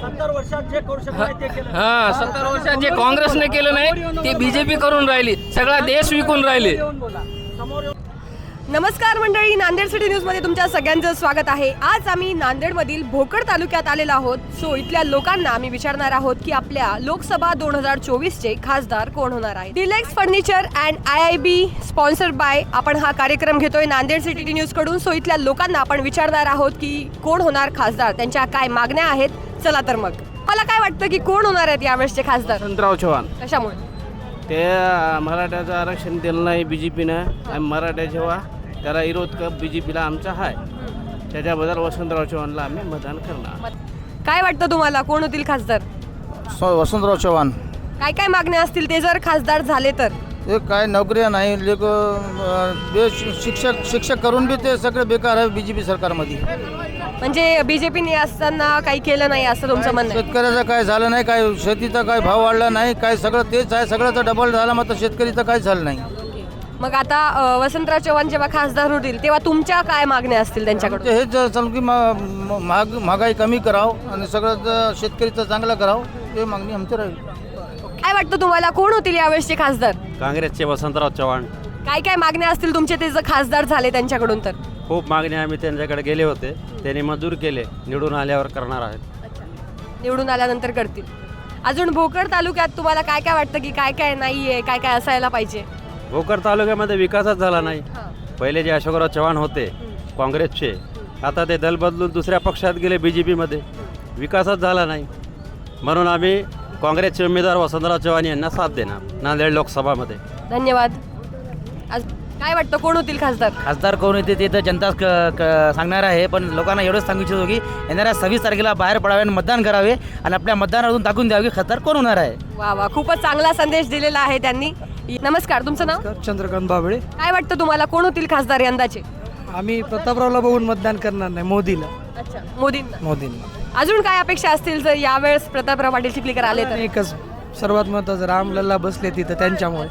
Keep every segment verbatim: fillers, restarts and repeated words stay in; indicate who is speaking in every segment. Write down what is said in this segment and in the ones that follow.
Speaker 1: सत्तर वर्षात जे करू शकत नाही ते केलं.
Speaker 2: हा सत्तर वर्षात जे काँग्रेसने केलं नाही ते बीजेपी करून राहिली. सगळा देश विकून राहिले.
Speaker 1: समोर येऊन
Speaker 3: नमस्कार मंडळी, नांदेड सिटी न्यूजमध्ये तुमच्या सगळ्यांचं स्वागत आहे. आज आम्ही नांदेडमधील भोकर तालुक्यात आलेलो आहोत. सो इथल्या लोकांना आम्ही विचारणार आहोत की आपल्या लोकसभा दोन हजार चोवीसचे खासदार कोण होणार आहे. Deluxe furniture and I I B sponsored by आपण हा कार्यक्रम घेतोय नांदेड सिटी न्यूज कडून. सो इथल्या लोकांना आपण विचारणार आहोत की कोण होणार खासदार, त्यांच्या काय मागण्या आहेत. चला तर मग, मला काय वाटतं की कोण होणार आहेत यावेळेसचे खासदार?
Speaker 4: वसंतराव चव्हाण.
Speaker 3: कशामुळे?
Speaker 4: ते मराठ्याचं आरक्षण दिलं नाही बी जे पीनं आणि मराठा जेव्हा त्याला विरोध कर बी जे पीला आमचा आहे, त्याच्याबद्दल वसंतराव चव्हाणला आम्ही मतदान करणार.
Speaker 3: काय वाटतं तुम्हाला कोण होतील खासदार?
Speaker 5: वसंतराव चव्हाण.
Speaker 3: काय काय मागण्या असतील ते जर खासदार झाले तर?
Speaker 5: हे काय नोकऱ्या नाही, लोक शिक्षक शिक्षक करून बी ते सगळे बेकार आहे बी जे पी सरकारमध्ये.
Speaker 3: म्हणजे बीजेपीने असताना काही केलं नाही असं तुमचं म्हणणं आहे?
Speaker 5: शेतकऱ्याचं काय झालं नाही, काय शेतीचा काय भाव वाढला नाही, काय सगळं तेच आहे, सगळ्याचं डबल झालं, मात्र शेतकरीचं काय झालं नाही.
Speaker 3: मग आता अ, वसंतराव चव्हाण जेव्हा खासदार होतील तेव्हा तुमच्या काय मागण्या असतील त्यांच्याकडून?
Speaker 5: ते हेच चालू की मा- महाग महागाई कमी करावं आणि सगळं शेतकरीचं चांगलं करावं, हे मागणी आमची राहील.
Speaker 3: काय वाटतं तुम्हाला कोण होतील यावेळेसचे खासदार?
Speaker 6: काँग्रेसचे वसंतराव चव्हाण.
Speaker 3: काय काय मागण्या असतील तुमचे ते जर खासदार झाले त्यांच्याकडून तर?
Speaker 6: खूप मागण्या आम्ही त्यांच्याकडे गेले होते, त्यांनी मंजूर केले, निवडून आल्यावर करणार आहेत.
Speaker 3: निवडून आल्यानंतर करतील. अजून भोकर तालुक्यात तुम्हाला काय काय वाटतं की काय काय नाहीये, काय काय असायला पाहिजे?
Speaker 6: भोकर तालुक्यामध्ये विकासच झाला नाही. पहिले जे अशोकराव चव्हाण होते काँग्रेसचे, आता ते दल बदलून दुसऱ्या पक्षात गेले बी जे पीमध्ये. विकासच झाला नाही, म्हणून आम्ही काँग्रेसचे उमेदवार वसंतराव चव्हाण यांना साथ देणार नांदेड लोकसभामध्ये.
Speaker 3: धन्यवाद. आज काय वाटतं कोण होतील खासदार?
Speaker 7: खासदार कोण येते ते तर जनताच क- क- सांगणार आहे, पण लोकांना एवढंच सांगू इच्छितो की येणाऱ्या सव्वीस तारखेला बाहेर पडावे आणि मतदान करावे आणि आपल्या मतदानातून दाखवून द्यावे की खासदार कोण होणार आहे.
Speaker 3: वा वा, खूपच चांगला संदेश दिलेला आहे त्यांनी. नमस्कार, तुमचं नाव?
Speaker 8: चंद्रकांत बाबळे.
Speaker 3: काय वाटतं तुम्हाला कोण होतील खासदार यंदाचे?
Speaker 8: आम्ही प्रतापरावला बघून मतदान करणार नाही, मोदीला.
Speaker 3: अच्छा, मोदींना.
Speaker 8: मोदींना
Speaker 3: अजून काय अपेक्षा असतील जर यावेळेस प्रतापराव पाटील चिखलीकर आले तर?
Speaker 8: एकच सर्वात महत्वाचं, रामलल्ला बसले तिथं त्यांच्यामुळे.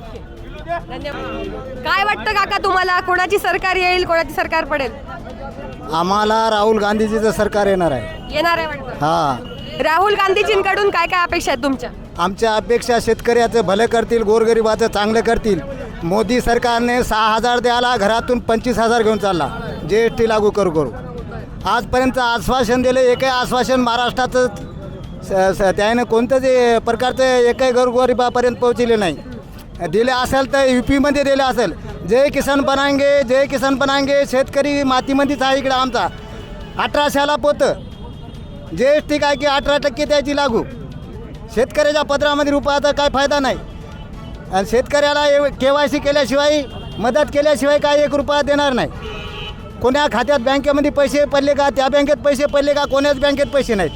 Speaker 3: धन्यवाद. काय वाटतं काका तुम्हाला, कोणाची सरकार येईल, कोणाची सरकार पडेल?
Speaker 5: आम्हाला राहुल गांधीजीचं सरकार येणार आहे.
Speaker 3: येणार आहे वाटतं.
Speaker 5: हा,
Speaker 3: राहुल गांधीजींकडून काय काय अपेक्षा आहेत तुमच्या?
Speaker 5: आमच्या अपेक्षा शेतकऱ्याचं भलं करतील, गोरगरिबाचं चांगलं करतील. मोदी सरकारने सहा हजार द्यायला घरातून पंचवीस हजार घेऊन चालला, जी एस टी लागू करू करू. आजपर्यंत आश्वासन दिलं, एकही आश्वासन महाराष्ट्राचं स- स- त्याने कोणतं जे प्रकारचं एकही गोरगरिबापर्यंत पोहोचले नाही. दिले असेल तर यू पीमध्ये दिले असेल. जय किसान बनाएंगे, जय किसान बनाएंगे. शेतकरी मातीमध्येच आहे इकडं आमचा. अठराशेला पोतं जी एस टी काय की अठरा टक्के त्याची लागू. शेतकऱ्याच्या पत्रामध्ये रुपयाचा काय फायदा नाही आणि शेतकऱ्याला के वाय सी केल्याशिवाय, मदत केल्याशिवाय काय एक रुपया देणार नाही. कोण्या खात्यात बँकेमध्ये पैसे पडले का, त्या बँकेत पैसे पडले का, कोण्याच बँकेत पैसे नाहीत.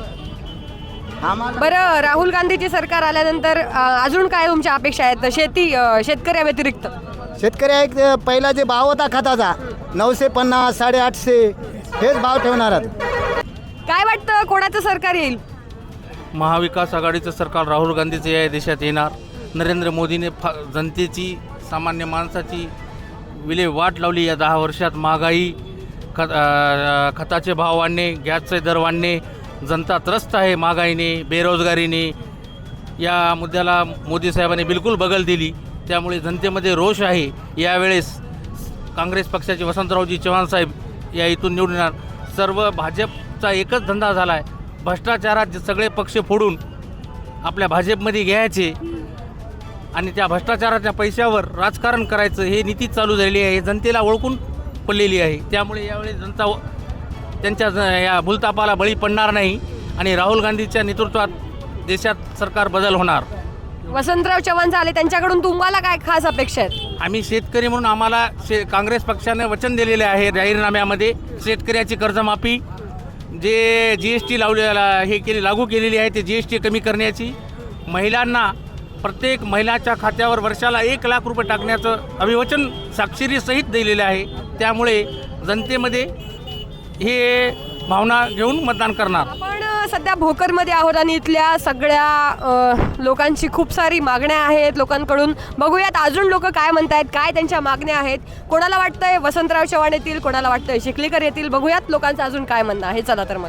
Speaker 5: आम्हाला
Speaker 3: बरं, राहुल गांधीची सरकार आल्यानंतर अ, अजून काय तुमच्या अपेक्षा आहेत शेती अ, शेतकऱ्या व्यतिरिक्त?
Speaker 5: शेतकऱ्या एक पहिला जे भाव होता खताचा नऊशे पन्नास साडेआठशे हेच भाव ठेवणार आहेत.
Speaker 3: काय वाटतं कोणाचं सरकार येईल?
Speaker 4: महाविकास आघाडीचं सरकार राहुल गांधीचं या देशात येणार. नरेंद्र मोदीने फा जनतेची, सामान्य माणसाची विल्हेवाट लावली या दहा वर्षात. महागाई, खत अ, खताचे भाव वाढणे, गॅसचे दर वाढणे, जनता त्रस्त आहे महागाईने, बेरोजगारीने. या मुद्द्याला मोदी साहेबांनी बिलकुल बगल दिली, त्यामुळे जनतेमध्ये रोष आहे. यावेळेस काँग्रेस पक्षाचे वसंतरावजी चव्हाण साहेब या इथून निवडून येणार. सर्व भाजपचा एकच धंदा झाला आहे, भ्रष्टाचारात जे सगळे पक्ष फोडून आपल्या भाजपमध्ये घ्यायचे आणि त्या भ्रष्टाचाराच्या पैशावर राजकारण करायचं, हे नीती चालू झालेली आहे. हे जनतेला ओळखून पडलेली आहे. त्यामुळे यावेळी जनता त्यांच्या ज- या भूलतापाला बळी पडणार नाही आणि राहुल गांधीच्या नेतृत्वात देशात सरकार बदल होणार.
Speaker 3: वसंतराव चव्हाण झाले, त्यांच्याकडून तुम्हाला काय खास अपेक्षा आहेत?
Speaker 4: आम्ही शेतकरी म्हणून आम्हाला शे काँग्रेस पक्षाने वचन दिलेले आहे जाहीरनाम्यामध्ये, शेतकऱ्याची कर्जमाफी, जे जी एस टी लावलेला हे केली लागू केलेली आहे ते जी एस टी कमी करण्याची, महिलांना प्रत्येक महिलाच्या खात्यावर वर्षाला एक लाख रुपये टाकण्याचं अभिवचन साक्षरीसहित दिलेलं आहे. त्यामुळे जनतेमध्ये हे भावना घेऊन मतदान करणार.
Speaker 3: आपण अ, सध्या भोकरमध्ये आहोत आणि इथल्या सगळ्या अ, लोकांची खूप सारी मागण्या आहेत लोकांकडून. बघूयात अजून लोक काय म्हणतायत, काय त्यांच्या मागण्या आहेत. कोणाला वाटतंय वसंतराव चव्हाण येतील, कोणाला वाटतंय चिखलीकर येतील. बघूयात लोकांचं अजून काय म्हणणं आहे. चला तर मग.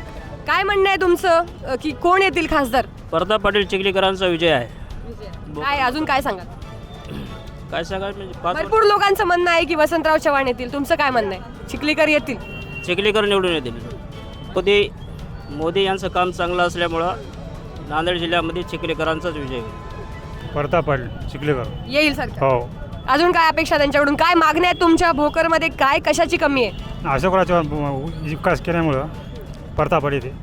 Speaker 3: काय म्हणणं आहे तुमचं अ, की कोण येतील खासदार?
Speaker 1: प्रताप पाटील चिखलीकरांचा विजय आहे.
Speaker 3: काय अजून काय सांगाल?
Speaker 1: काय सांगायचं म्हणजे पाच
Speaker 3: भरपूर लोकांचं म्हणणं आहे की वसंतराव चव्हाण येतील, तुमचं काय म्हणणं आहे? चिखलीकर येतील?
Speaker 1: चिखलीकर निवडून येतील. मोदी मोदी यांचं काम चांगलं असल्यामुळं नांदेड जिल्ह्यामध्ये चिखलीकरांचाच विजय होईल.
Speaker 9: प्रताप पाटील चिखलीकर.
Speaker 3: येईल सरकार.
Speaker 9: हो.
Speaker 3: अजून काय अपेक्षा त्यांच्याकडून? काय मागण्या आहेत तुमच्या भोकरमध्ये? काय कशाची कमी आहे?
Speaker 9: अशोकराव चव्हाण विकास केल्यामुळं प्रताप पाटील ते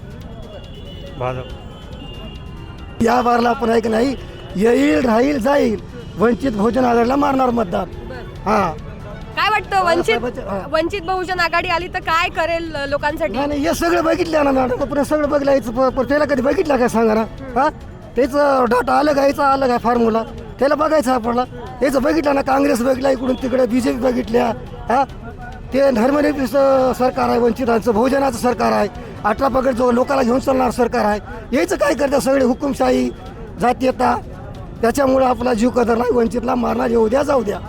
Speaker 9: भाजप.
Speaker 5: या बारला आपण आहे की नाही, येईल राहील जाईल, वंचित बहुजन आघाडीला मारणार मतदान. हा
Speaker 3: काय वाटतं वंचित
Speaker 5: हा.
Speaker 3: वंचित बहुजन आघाडी आली तर काय करेल अ, लोकांसाठी?
Speaker 5: नाही नाही, हे सगळं बघितलं ना मॅडम, आपण सगळं बघलायचं. त्याला कधी बघितलं काय सांगा ना? हा त्याचं डाटा अलग आहे, याचा अलग आहे फॉर्म्युला, त्याला बघायचं आपल्याला. याचं बघितलं ना, काँग्रेस बघितला इकडून तिकडे, बी जे पी बघितल्या. हा ते धर्मनिरपेक्ष सरकार आहे, वंचितांचं बहुजनाचं सरकार आहे, अठरा पगड जो लोकांना घेऊन चालणार सरकार आहे. याचं काय करतात सगळे हुकुमशाही जातीयता, त्याच्यामुळे आपला जीव कदर नाही, वंचितला मारणार येऊ द्या जाऊ द्या.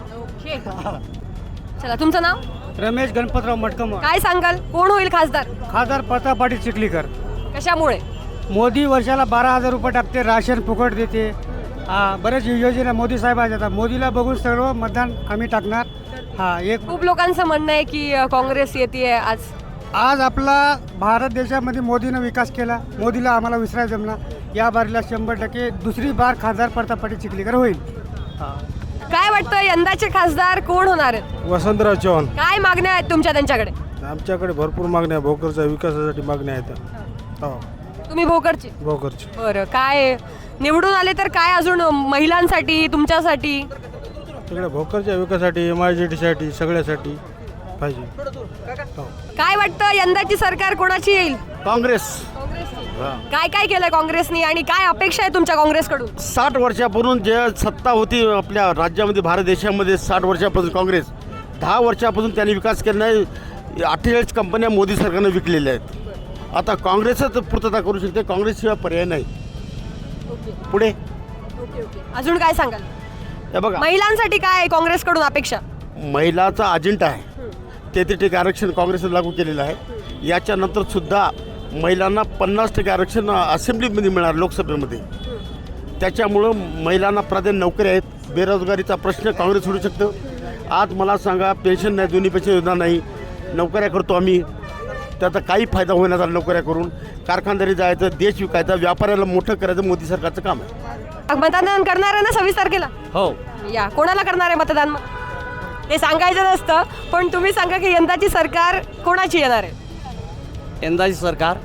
Speaker 3: चला, तुमचं नाव?
Speaker 8: रमेश गणपतराव मटकम.
Speaker 3: काय सांगाल, कोण होईल खासदार?
Speaker 8: खासदार प्रताप पाटील चिखलीकर.
Speaker 3: कशामुळे?
Speaker 8: मोदी वर्षाला बारा हजार रुपये टाकते, राशन फुकट देते, हा बरेच योजना मोदी साहेब आहेत. मोदीला बघून सर्व मतदान आम्ही टाकणार. हा एक
Speaker 3: खूप लोकांचं म्हणणं आहे की अ, काँग्रेस येते आज.
Speaker 8: आज आपला भारत देशामध्ये मोदीनं विकास केला, मोदीला आम्हाला विसरायला जमला. या बारीला शंभर टक्के दुसरी बार खासदार प्रताप पाटील चिखलीकर होईल.
Speaker 3: काय वाटतं यंदाचे खासदार कोण होणार आहेत?
Speaker 9: वसंतराव चव्हाण.
Speaker 3: काय मागण्या आहेत तुमच्या त्यांच्याकडे?
Speaker 9: आमच्याकडे भरपूर मागण्या, भोकरच्या विकासासाठी मागण्या आहेत. हो,
Speaker 3: तुम्ही भोकरची?
Speaker 9: भोकरची.
Speaker 3: बरं, काय निवडून आले तर काय अजून महिलांसाठी, तुमच्यासाठी?
Speaker 9: तिकडे भोकरच्या विकासासाठी, एम आय जी टीसाठी, सगळ्यासाठी पाहिजे. हो.
Speaker 3: काय वाटतं यंदाची सरकार कोणाची येईल?
Speaker 4: काँग्रेस.
Speaker 3: काय काय केलंय काँग्रेसनी आणि काय अपेक्षा आहे तुमच्या काँग्रेसकडून?
Speaker 4: साठ वर्षापूर्वी जे सत्ता होती आपल्या राज्यामध्ये, भारत देशामध्ये साठ वर्षापासून काँग्रेस, दहा वर्षापासून त्यांनी विकास केला नाही. अठ्ठेचाळीस कंपन्या मोदी सरकारने विकलेल्या आहेत. आता काँग्रेसच पूर्तता करू शकते, काँग्रेसशिवाय पर्याय नाही. पुढे
Speaker 3: अजून काय सांगाल?
Speaker 4: हे बघा,
Speaker 3: महिलांसाठी काय आहे काँग्रेसकडून अपेक्षा?
Speaker 4: महिलाचा अजेंडा आहे, तेहतीस टक्के आरक्षण काँग्रेसने लागू केलेलं आहे. याच्यानंतर सुद्धा महिलांना पन्नास टक्के आरक्षण असेंब्लीमध्ये मिळणार, लोकसभेमध्ये. त्याच्यामुळं महिलांना प्राधान्य नोकरी आहेत. बेरोजगारीचा प्रश्न काँग्रेस सोडू शकतं. आज मला सांगा, पेन्शन नाही, दोन्ही पेन्शन योजना नाही, नोकऱ्या करतो आम्ही, त्याचा काही फायदा होईना झाला नोकऱ्या करून. कारखानदारी जायचं, देश विकायचा, व्यापाऱ्याला मोठं करायचं मोदी सरकारचं काम आहे.
Speaker 3: मतदान करणार आहे ना सव्वीस तारखेला?
Speaker 4: हो.
Speaker 3: या कोणाला करणार आहे मतदान मग? ते सांगायचं नसतं, पण तुम्ही सांगा की यंदाची सरकार कोणाची येणार आहे?
Speaker 7: यंदाची सरकार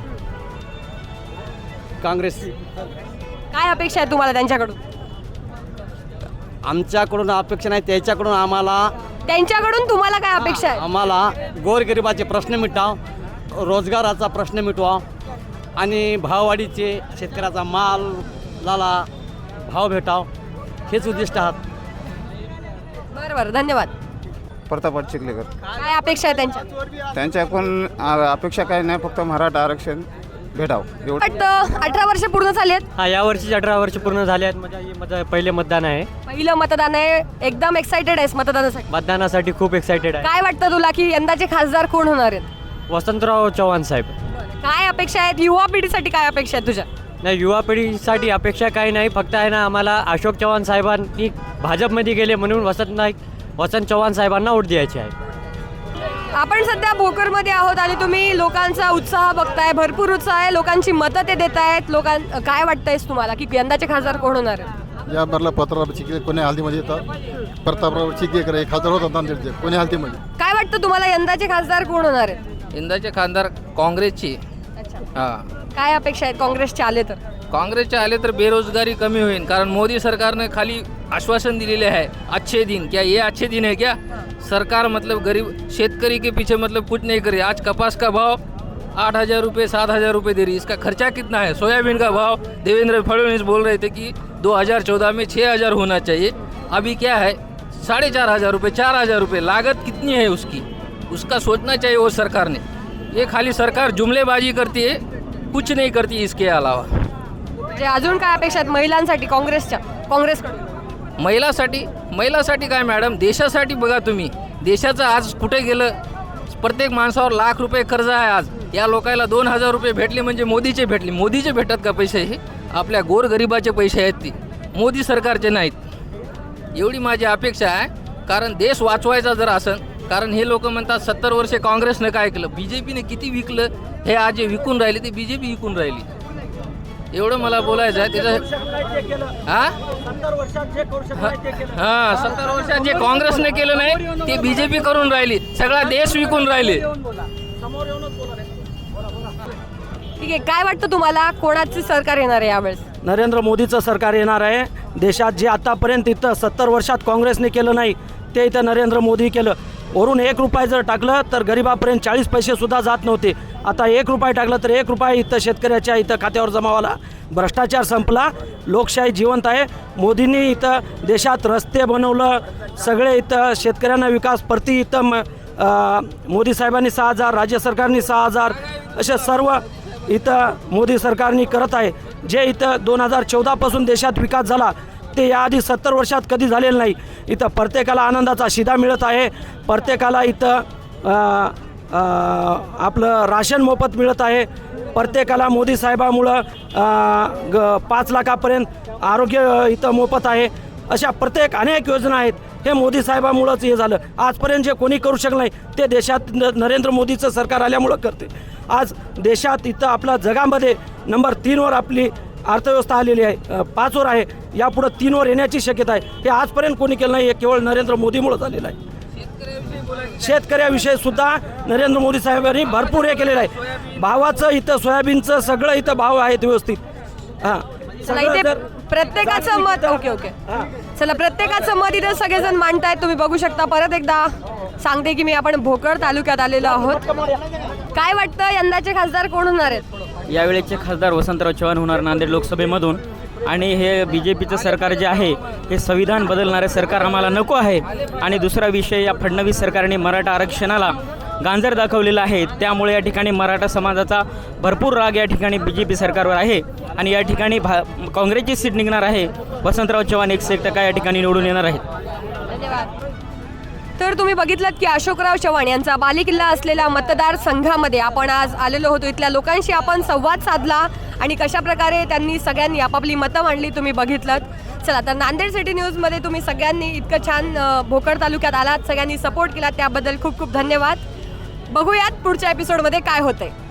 Speaker 7: काँग्रेस.
Speaker 3: काय अपेक्षा आहे तुम्हाला त्यांच्याकडून?
Speaker 7: आमच्याकडून अपेक्षा नाही, त्याच्याकडून आम्हाला
Speaker 3: त्यांच्याकडून तुम्हाला काय अपेक्षा आहे?
Speaker 7: आम्हाला गोरगरिबाचे प्रश्न मिटाव, रोजगाराचा प्रश्न मिटवा आणि भाववाढीचे, शेतकऱ्याचा मालाला भाव भेटाव, हेच उद्दिष्ट आहात.
Speaker 3: बरं बरं, धन्यवाद.
Speaker 5: प्रताप पाटील चिखलीकर.
Speaker 3: काय अपेक्षा आहे त्यांच्या?
Speaker 5: त्यांच्याकडून अपेक्षा काही नाही, फक्त मराठा आरक्षण भेटाव एवढं.
Speaker 3: वाटतं अठरा वर्ष पूर्ण झाली आहेत.
Speaker 8: हा या वर्षी अठरा वर्ष पूर्ण झाले आहेत. माझ्या हे माझं पहिले मतदान आहे.
Speaker 3: पहिलं मतदान आहे, एकदम एक्साइटेड आहेस मतदानासाठी?
Speaker 8: मतदानासाठी खूप एक्सायटेड आहे.
Speaker 3: काय वाटतं तुला की यंदाचे खासदार कोण होणार आहेत?
Speaker 8: वसंतराव चव्हाण साहेब.
Speaker 3: काय अपेक्षा आहेत युवा पिढीसाठी? काय अपेक्षा आहेत तुझ्या?
Speaker 8: नाही, युवा पिढीसाठी अपेक्षा काही नाही, फक्त आहे ना आम्हाला अशोक चव्हाण साहेबांनी भाजपमध्ये गेले म्हणून वसंत नाईक वसंत चव्हाण साहेबांना वोट द्यायचे आहे.
Speaker 3: आपण सध्या भोकरमध्ये आहोत आणि तुम्ही लोकांचा उत्साह बघताय, भरपूर उत्साह आहे, लोकांची मतं ते देत आहेत. लोकां काय वाटतंयस तुम्हाला की यंदाचे खासदार कोण होणार आहेत?
Speaker 9: या बारला प्रतापराव चिखलीकर कोणी हालतीमध्ये येतात. प्रतापराव चिखलीकर हे खासदार होतात नांदेडचे, कोणी हालतीमध्ये.
Speaker 3: काय वाटतं तुम्हाला यंदाचे खासदार कोण होणार आहेत?
Speaker 2: यंदाचे खासदार काँग्रेसची. हां,
Speaker 3: काय अपेक्षा आहेत काँग्रेसचे आले तर?
Speaker 2: काँग्रेसचे आले तर बेरोजगारी कमी होईल, कारण मोदी सरकारने खाली आश्वासन दिलेले है अच्छे दिन. क्या ये अच्छे दिन है क्या? सरकार मतलब गरीब शेतकरी के पीछे मतलब कुछ नहीं करे. आज कपास का भाव आठ हज़ार रुपये सात हज़ार रुपये दे रही, इसका खर्चा कितना है? सोयाबीन का भाव देवेंद्र फडणवीस बोल रहे थे कि दो हज़ार चौदह में छः हज़ार होना चाहिए, अभी क्या है साढ़े चार हज़ार रुपये चार हज़ार रुपये. लागत कितनी है उसकी, उसका सोचना चाहिए वो सरकार ने. ये खाली सरकार जुमलेबाजी करती है, कुछ नहीं करती इसके अलावा.
Speaker 3: म्हणजे अजून काय अपेक्षा आहेत महिलांसाठी काँग्रेसच्या काँग्रेसकडून?
Speaker 2: महिलासाठी महिलासाठी काय मॅडम, देशासाठी बघा तुम्ही. देशाचं आज कुठे गेलं प्रत्येक माणसावर लाख रुपये कर्ज आहे आज. या लोकांना दोन हजार रुपये भेटले म्हणजे मोदीचे भेटले. मोदीचे भेटतात का पैसे? हे आपल्या गोरगरिबाचे पैसे आहेत, ती मोदी सरकारचे नाहीत. एवढी माझी अपेक्षा आहे. कारण देश वाचवायचा जर असेल, कारण हे लोक म्हणतात सत्तर वर्षे काँग्रेसनं काय केलं, बी जे पीने किती विकलं, हे आज जे विकून राहिले ते बी जे पी विकून राहिली. एवढं मला बोलायचं आहे. त्याच्या हां हां सत्तर वर्षात जे काँग्रेसने केलं नाही ते बी जे पी करून राहिली. सगळा देश विकून राहिले.
Speaker 3: ठीक आहे, काय वाटतं तुम्हाला, कोणाचे सरकार येणार आहे यावेळेस?
Speaker 10: नरेंद्र मोदीचं सरकार येणार आहे. देशात जे आतापर्यंत इथं सत्तर वर्षात काँग्रेसने केलं नाही ते इथं नरेंद्र मोदी केलं. वरून एक रुपये जर टाकलं तर गरिबापर्यंत चाळीस पैसेसुद्धा जात नव्हते. आता एक रुपये टाकलं तर एक रुपये इथं शेतकऱ्याच्या इथं खात्यावर जमा व्हायला. भ्रष्टाचार संपला, लोकशाही जिवंत आहे. मोदींनी इथं देशात रस्ते बनवलं, सगळे इथं शेतकऱ्यांना विकास प्रति इथं म मोदी साहेबांनी सहा हजार, राज्य सरकारनी सहा हजार असे सर्व इथं मोदी सरकारनी करत आहे. जे इथं दोन हजार चौदापासून देशात विकास झाला ते याआधी सत्तर वर्षात कधी झालेलं नाही. इथं प्रत्येकाला आनंदाचा शिधा मिळत आहे. प्रत्येकाला इथं आपलं राशन मोफत मिळत आहे. प्रत्येकाला मोदी साहेबामुळं ग पाच लाखापर्यंत आरोग्य इथं मोफत आहे. अशा प्रत्येक अनेक योजना आहेत. हे मोदी साहेबामुळंच हे झालं. आजपर्यंत जे कोणी करू शकलं नाही ते देशात न नरेंद्र मोदीचं सरकार आल्यामुळं करते. आज देशात इथं आपला जगामध्ये नंबर तीनवर आपली अर्थव्यवस्था आलेली आहे, पाचवर आहे. यापुढं तीनवर येण्याची शक्यता आहे. हे आजपर्यंत कोणी केलं नाही, हे केवळ नरेंद्र मोदीमुळं झालेलं आहे. शेतकऱ्याविषयी सुद्धा नरेंद्र मोदी साहेबांनी भरपूर हे केलेलं आहे. भावाचं इथं सोयाबीनचं सगळं इथं भाव आहेत व्यवस्थित. हां
Speaker 3: चला, इथे प्रत्येकाचं मत ओके ओके चला प्रत्येकाचं मत इथे सगळेजण मांडतायत. तुम्ही बघू शकता. परत एकदा सांगते की मी आपण भोकर तालुक्यात आलेलो आहोत. काय वाटतं, यंदाचे खासदार कोण होणार आहेत?
Speaker 11: यावेळेचे खासदार वसंतराव चव्हाण होणार नांदेड लोकसभेमधून. आणि हे बी जे पीचं सरकार जे आहे हे संविधान बदलणारे सरकार आम्हाला नको आहे. आणि दुसरा विषय, या फडणवीस सरकारने मराठा आरक्षणाला गांजर दाखवलेला आहे. त्यामुळे या ठिकाणी मराठा समाजाचा भरपूर राग या ठिकाणी बी जे पी सरकारवर आहे. आणि या ठिकाणी भा काँग्रेसची सीट निघणार आहे. वसंतराव चव्हाण एकशे एक टक्का या ठिकाणी निवडून येणार आहेत.
Speaker 3: धन्यवाद. तर तुम्ही बघितलं की अशोकराव चव्हाण यांचा बालेकिल्ला असलेल्या मतदारसंघामध्ये आपण आज आलेलो होतो. इथल्या लोकांशी आपण संवाद साधला आणि कशा प्रकारे त्यांनी सगळ्यांनी आपापली मतं मांडली तुम्ही बघितलं. चला, तर नांदेड सिटी न्यूजमध्ये तुम्ही सगळ्यांनी इतकं छान भोकर तालुक्यात आलात, सगळ्यांनी सपोर्ट केला, त्याबद्दल खूप खूप धन्यवाद. बघूयात पुढच्या एपिसोडमध्ये काय होतंय.